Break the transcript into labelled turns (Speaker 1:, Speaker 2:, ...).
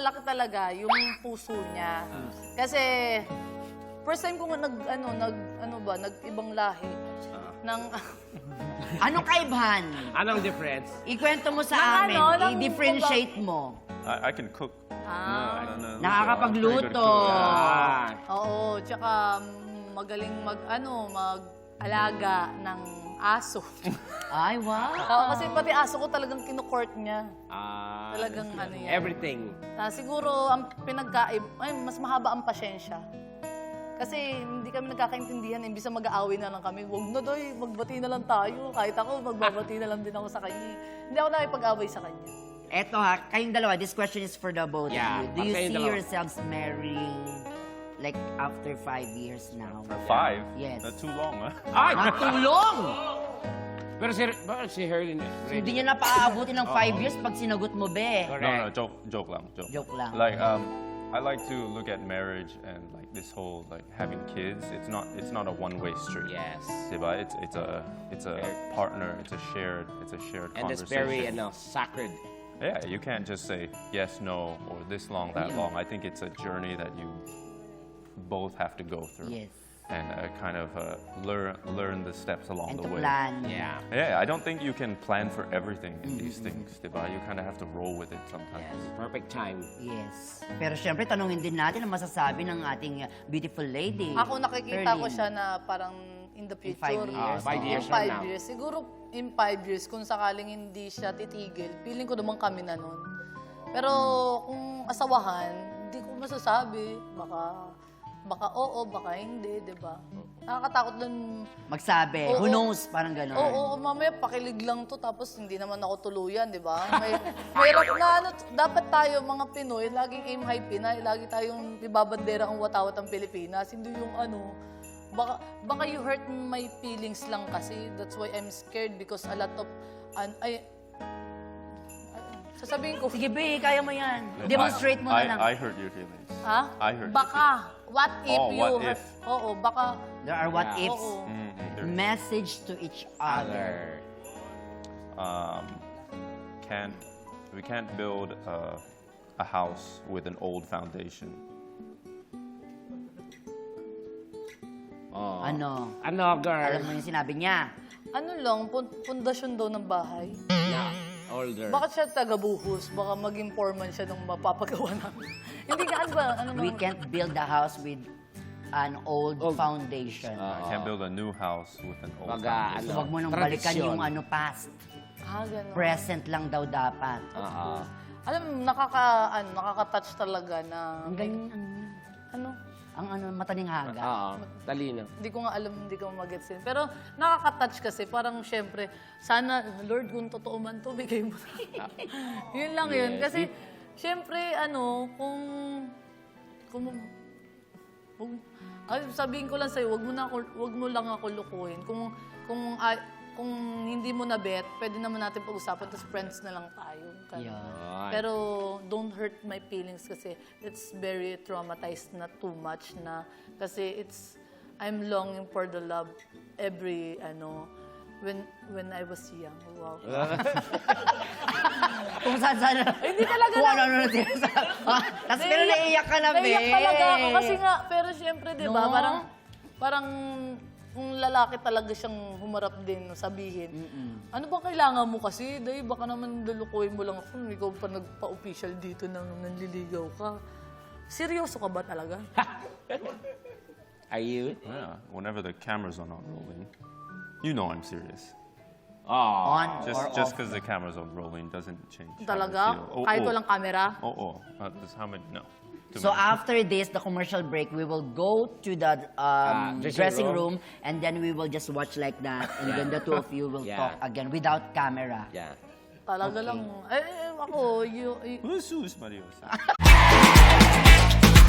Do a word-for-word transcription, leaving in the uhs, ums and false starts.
Speaker 1: malaki talaga yung puso niya. Kasi first time ko nag ano nag ano ba nag-ibang lahi ng
Speaker 2: Anong kaibahan?
Speaker 3: Anong difference?
Speaker 2: Ikwento mo
Speaker 1: Ng
Speaker 2: sa amin.
Speaker 1: ano, ng-
Speaker 2: I-differentiate mo.
Speaker 4: I, I can cook.
Speaker 1: ah,
Speaker 4: No, no, no,
Speaker 2: Nakakapagluto.
Speaker 4: I'm pretty good cook.
Speaker 3: Ah,
Speaker 1: oo, tsaka mm, magaling mag ano mag-alaga ng aso.
Speaker 2: Ay, wow.
Speaker 1: Oo, kasi pati aso ko talagang kinukort niya.
Speaker 3: ah,
Speaker 1: Talagang ano yan.
Speaker 3: everything.
Speaker 1: Ah, siguro ang pinagkaib, ay, mas mahaba ang pasyensya. Kasi hindi kami nagkakaintindihan, imbis na mag-aaway na lang kami, wag na doy, magbati na lang tayo. Kahit ako, magbabati na lang din ako sa kanya. Hindi ako nakipag-away sa kanya.
Speaker 2: Eto ha, kayong dalawa, this question is for the both
Speaker 3: Yeah,
Speaker 2: of you. Do you
Speaker 3: para kayong
Speaker 2: see
Speaker 3: dalawa.
Speaker 2: yourselves marrying like after five years now?
Speaker 4: Five?
Speaker 2: Yes.
Speaker 4: That's too long, huh?
Speaker 3: Ay!
Speaker 2: Matulong!
Speaker 3: Pero si, bakit si Herlin eh?
Speaker 2: Hindi niya na paaabutin ng five years pag sinagot mo, be.
Speaker 3: Correct.
Speaker 4: No, no, joke, joke lang, joke.
Speaker 2: Joke lang.
Speaker 4: Like, um, I like to look at marriage and like this whole like having kids. It's not, it's not a one-way street.
Speaker 3: Yes.
Speaker 4: Diba? It's, it's a, it's a partner. It's a shared, it's a shared
Speaker 3: And it's
Speaker 4: conversation.
Speaker 3: very, ano, sacred.
Speaker 4: Yeah, you can't just say yes, no, or this long, that long. I think it's a journey that you both have to go through.
Speaker 2: Yes.
Speaker 4: And uh, kind of uh, learn learn the steps along
Speaker 2: And
Speaker 4: the
Speaker 2: to
Speaker 4: way.
Speaker 2: plan.
Speaker 3: Yeah.
Speaker 4: Yeah, I don't think you can plan for everything in these things, diba? You kind of have to roll with it sometimes.
Speaker 3: Perfect time.
Speaker 2: Yes. Pero syempre, tanungin din natin ang masasabi ng ating uh, beautiful lady.
Speaker 1: Ako nakikita ko
Speaker 2: Herlin.
Speaker 1: siya na parang in the
Speaker 2: In
Speaker 1: future.
Speaker 2: five years.
Speaker 3: Ah, five
Speaker 1: Oo,
Speaker 3: years
Speaker 1: in
Speaker 3: from
Speaker 1: five
Speaker 3: now.
Speaker 1: years. Siguro in five years, kung sakaling hindi siya titigil, feeling ko naman kami na nun. Pero kung asawahan, hindi ko masasabi. Baka, baka oo, baka hindi, di ba? Nakakatakot dun.
Speaker 2: Magsabi,
Speaker 1: Oo.
Speaker 2: who knows, parang gano'n.
Speaker 1: Oo, oo, mamaya pakilig lang to, tapos hindi naman ako tuluyan, di ba? May, mahirap na ano, dapat tayo mga Pinoy, laging aim high Pinay, lagi tayong ibabandera ang watawat ang Pilipinas. Hindi yung ano, baka, baka you hurt my feelings lang kasi. That's why I'm scared because a lot of, an, ay, ay, sasabihin ko,
Speaker 2: Sige, be, kaya mo yan. Demonstrate mo na
Speaker 4: I,
Speaker 2: lang.
Speaker 4: I hurt your feelings.
Speaker 1: ha?
Speaker 4: I hurt your
Speaker 1: Baka, what if
Speaker 4: Oh,
Speaker 1: you
Speaker 4: what
Speaker 1: hurt,
Speaker 4: if?
Speaker 1: oo, baka,
Speaker 2: There are what
Speaker 3: Yeah.
Speaker 2: ifs.
Speaker 1: oo.
Speaker 4: Mm, there-
Speaker 2: Message to each other.
Speaker 4: um, can't we can't build a, a house with an old foundation.
Speaker 3: Oh.
Speaker 2: Ano?
Speaker 3: Ano, girl?
Speaker 2: Alam mo yung sinabi niya.
Speaker 1: Ano lang, pun- pundasyon daw ng bahay.
Speaker 3: Yeah. Older.
Speaker 1: Bakit siya taga-buhos? Baka maging foreman siya nung mapapagawa namin. Hindi ka, ano ba? Ano
Speaker 2: We
Speaker 1: naman?
Speaker 2: can't build a house with an old
Speaker 3: Old.
Speaker 2: foundation.
Speaker 4: I can't build a new house with an old
Speaker 3: Baga,
Speaker 4: foundation.
Speaker 2: So, wag mo nang
Speaker 3: Tradisyon.
Speaker 2: balikan yung ano past.
Speaker 1: Ah, gano'n.
Speaker 2: Present lang daw dapat.
Speaker 3: Oo.
Speaker 1: Alam mo, nakaka, ano, nakaka-touch talaga na...
Speaker 2: Ang galing, ano,
Speaker 1: Ano?
Speaker 2: ang ano, mataning haga.
Speaker 3: Oo. Talino.
Speaker 1: Hindi ko nga alam, hindi ko magets yun. Pero nakaka-touch kasi, parang syempre, sana, Lord, kung totoo man to, bigay mo na. Yun lang yun. Kasi, syempre, ano, kung... Kung... kung ay, sabihin ko lang sa'yo, wag mo, na ako, wag mo lang ako lukuhin. Kung, kung, ah, kung hindi mo na bet, pwede naman natin pag-usapan, tapos friends na lang tayo. Ganun.
Speaker 2: Yeah.
Speaker 1: Pero don't hurt my feelings kasi it's very traumatized na too much na kasi it's I'm longing for the love every ano when when I was young. Wow.
Speaker 2: Kung saan saan.
Speaker 1: Hindi talaga
Speaker 2: Kung
Speaker 1: na-
Speaker 2: ano-ano na sinasabi. Ah, Tapos pero naiiyak ka na, be.
Speaker 1: Naiyak talaga ako kasi nga, pero syempre, di ba,
Speaker 2: No?
Speaker 1: parang, parang, kung lalaki talaga siyang humarap din, sabihin, ano ba kailangan mo kasi? Dahil baka naman lulukuhin mo lang ako, ikaw pa nagpa-official dito nang nanliligaw ka. Seryoso ka ba talaga?
Speaker 3: Are you?
Speaker 4: Yeah, whenever the cameras are not rolling, you know I'm serious.
Speaker 3: Oh.
Speaker 2: On
Speaker 4: Just
Speaker 2: or
Speaker 4: just
Speaker 2: off.
Speaker 4: because the cameras are rolling doesn't change. how I
Speaker 1: Talaga?
Speaker 4: feel. Oh,
Speaker 1: Kahit
Speaker 4: oh.
Speaker 1: walang camera?
Speaker 4: Oh, oh. Uh, this- how many? No. Too
Speaker 2: So
Speaker 4: many.
Speaker 2: after this, the commercial break, we will go to the um,
Speaker 3: Ah, dressing
Speaker 2: dressing
Speaker 3: room.
Speaker 2: room. and then we will just watch like that, and then the two of you will
Speaker 3: Yeah.
Speaker 2: talk again without camera.
Speaker 3: Yeah.
Speaker 1: Talaga lang. Eh, eh, ako, you, you,
Speaker 4: Jesus, Mario.